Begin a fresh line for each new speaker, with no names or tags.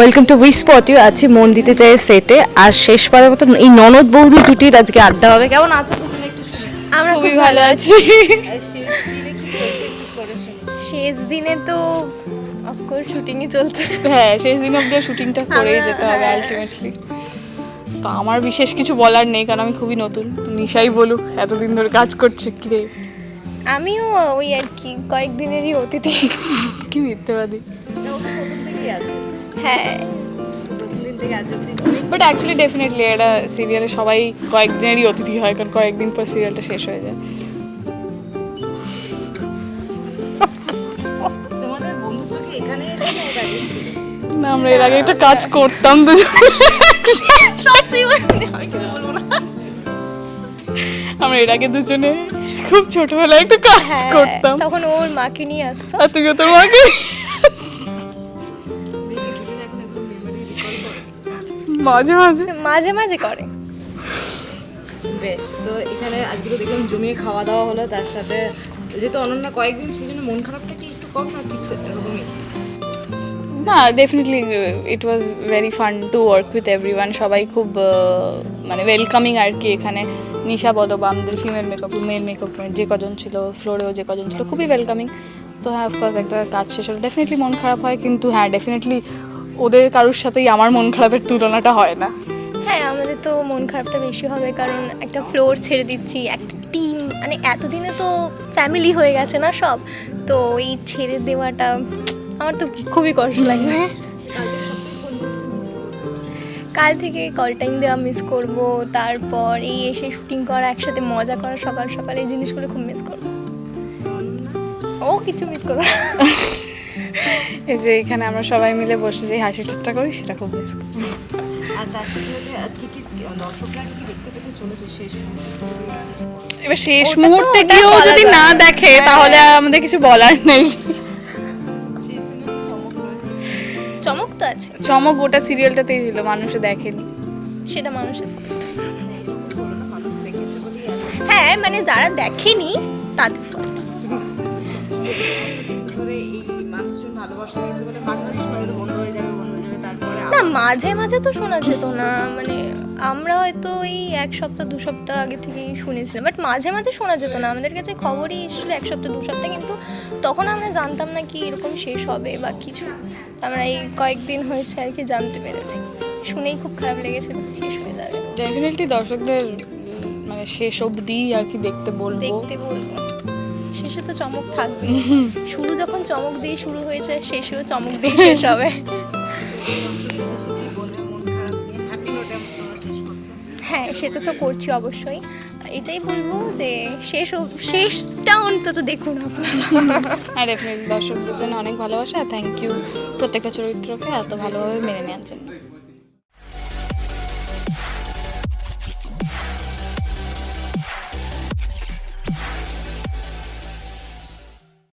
Welcome to we spot you. আছি মন দিতে চাই সেটে, আর শেষবারের মতো এই ননদ বৌদি জুটির আজকে আড্ডা হবে। কেমন আছো দুজনে একটু শুনে?
আমরা খুবই ভালো আছি।
শেষ দিনে কি চলছে একটু করে শুনি।
শেষ দিনে তো অফকোর্স শুটিংই চলছে।
হ্যাঁ, শেষ দিন অবধি শুটিংটা করেই যেতে হবে
হ্যাঁ।
আলটিমেটলি। তো আমার বিশেষ কিছু বলার নেই, কারণ আমি খুবই নতুন। নিশাই বলুক, এতদিন ধরে কাজ করছে। কি রে,
আমিও ওই আর কি কয়েকদিনেরই অতিথি।
কি মিথ্যেবাদী।
না, ও তো প্রথম থেকেই আছে,
হ্যাঁ,
প্রথম দিন থেকে আজ অবধি অনেক।
বাট অ্যাকচুয়ালি ডেফিনেটলি এটা সিরিয়ালে সবাই কয়েকদিনেরই অতিথি হয়, কারণ কয়েকদিন পর সিরিয়ালটা শেষ হয়ে যায়।
তোমাদের বন্ধুত্ব কি এখানে এসে না ওটা গেছে?
না, আমরা এর আগে একটা কাজ করতাম দুজন। আমরা এর আগে দুজনে খুব ছোটবেলায় একটা কাজ
হ্যাঁ,
করতাম,
তখন ওর মাকে নিয়ে আসতো।
আর তুইও তোর মাকে। মাঝে মাঝে
মাঝে মাঝে করে।
বেশ, তো এখানে আজকে তো দেখলাম জমিয়ে খাওয়া দাওয়া হলো, তার সাথে যেহেতু অনন্যা কয়েকদিন সেই জন্য মন খারাপটা কি একটু কম, না ঠিক তো এরকমই?
না, definitely it was very fun to work with everyone. সবাই খুব মানে ওয়েলকামিং আর কি। এখানে নিশা বলো বা আমাদের ফিমেল মেকআপ, মেল মেকআপ যে কজন ছিল, ফ্লোরেও যে কজন ছিল, খুবই ওয়েলকামিং। তো হ্যাঁ, অফকোর্স একটা কাজ শেষ হলো ডেফিনেটলি মন খারাপ হয়, কিন্তু হ্যাঁ ডেফিনেটলি ওদের কারোর সাথেই আমার মন খারাপের তুলনাটা হয় না।
হ্যাঁ, আমাদের তো মন খারাপটা বেশি হবে, কারণ একটা ফ্লোর ছেড়ে দিচ্ছি, একটা টিম, মানে এতদিনে তো ফ্যামিলি হয়ে গেছে না সব, তো এই ছেড়ে দেওয়াটা আমার তো খুবই কষ্ট লাগছে। কাল থেকে কল টাইম দেওয়া মিস করব, তারপর এই এসে শুটিং করা, একসাথে মজা করা সকাল সকাল, এই জিনিসগুলো খুব মিস করব। ও কিছু মিস করবো না।
এই যে এখানে আমরা সবাই মিলে বসে যে হাসি ঠাট্টা করি, সেটা খুব মিস করি।
আর তার সাথে সাথে আর কি কি দর্শকরা কি দেখতে পেতে চলেছে শেষ মুহূর্তে?
এবার শেষ
ওটা তো
মুহূর্তে
ওটা
গিয়েও
বলা
যদি
যায়
না
না।
দেখে
হ্যাঁ।
তাহলে আর আমাদের কিছু বলার নেই।
সেই সিনেমা চমক রয়েছে।
চমক তো আছে,
চমক গোটা সিরিয়ালটাতেই ছিল, মানুষে দেখেনি।
সেটা মানুষের।
বলো না, মানুষ দেখেছে বলেই আছে।
হ্যাঁ, মানে যারা দেখেনি তাদের fault।
ধরে এই মানুষজন ভালোবাসা দিয়েছে বলে মাঝে মাঝে শোনা যেত বন্ধ হয়ে যাবে, বন্ধ হয়ে যাবে, তারপরে
না, মাঝে মাঝে তো শোনা যেত না, মানে আমরা হয়তো এই 1 সপ্তাহ 2 সপ্তাহ আগে থেকেই শুনেছিলাম, বাট মাঝে মাঝে শোনা যেত না। আমাদের কাছে খবরই এসেছিল 1 সপ্তাহ 2 সপ্তাহ, কিন্তু তখন আমরা জানতাম না কি এরকম শেষ হবে বা কিছু। আমরা এই কয়েকদিন হয়েছে আর কি জানতে পেরেছি, শুনেই খুব খারাপ লেগেছিল শেষ হয়ে যাবে।
ডেফিনেটলি দর্শকদের মানে শেষ অবধি আর কি দেখতে বলবো।
দেখতে বলবো, শেষে তো চমক থাকবে। শুরু যখন চমক দিয়ে শুরু হয়েছে, শেষেও চমক দিয়ে শেষ হবে।
শেষে কি বলবে মন খারাপ নিয়ে? হ্যাপি নোটে তোমরা শেষ করছো।
হ্যাঁ, সেটা তো করছি অবশ্যই। এটাই বলবো যে শেষটা অন্তত দেখুন আপনারা।
হ্যাঁ, ডেফিনেটলি দর্শকদের জন্য অনেক ভালোবাসা। থ্যাংক ইউ প্রত্যেকটা চরিত্রকে এত ভালোভাবে মেনে নেওয়ার জন্য।